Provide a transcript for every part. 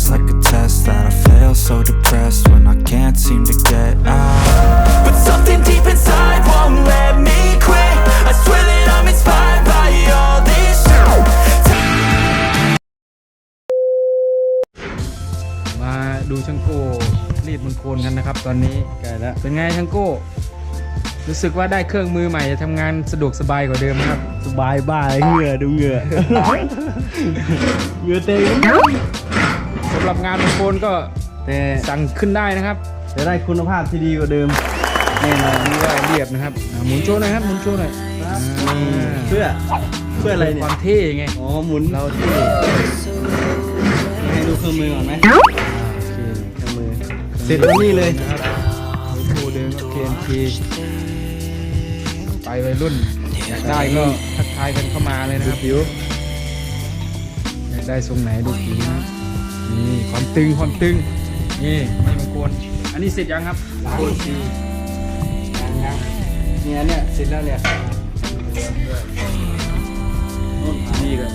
feels like a test that I fail, so depressed when I can't seem to get out. But something deep inside won't let me quit. I swear that I'm inspired by all this shit. มาดูช่างโก้รีดบนโคนกันนะครับตอนนี้ใกล้แล้วเป็นไงช่างโก้รู้สึกว่าได้เครื่องมือใหม่จะทำงานสะดวกสบายกว่าเดิมนะครับสบายบ้าเหงื่อดูเหงื่อ เหงื่อเต็มสำหรับงานบนโคนก็แต่สั่งขึ้นได้นะครับจะได้คุณภาพที่ดีกว่าเดิมแน่นอนนี่ก็เรียบนะครับหมุนโชว์หน่อยครับหมุนโชว์หน่อยเพื่ออะไรเนี่ควาย มเท่ไงอ๋อหมุนเราเท่ให้ดูเครื่องมือก่อนไหมโอเคเครื่องมือเสร็จแล้วนี่เลยนะครับโอ้เดินโอเคไปวัยรุ่นอยากได้ก็ทักทายกันเข้ามาเลยนะครับผิวอยากได้ทรงไหนดูผิวนะนี่ความตึงนี่ไม่บางคนอันนี้เสร็จยังครับโคนสีเนี่ยเสร็จแล้วเนี่ยนี่ก็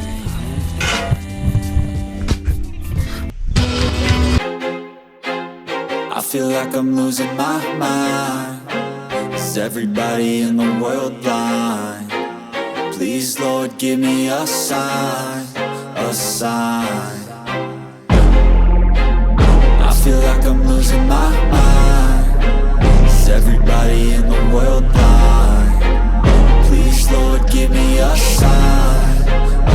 I feel like I'm losing my mind. Is everybody in the world blind? Please, Lord, give me a sign.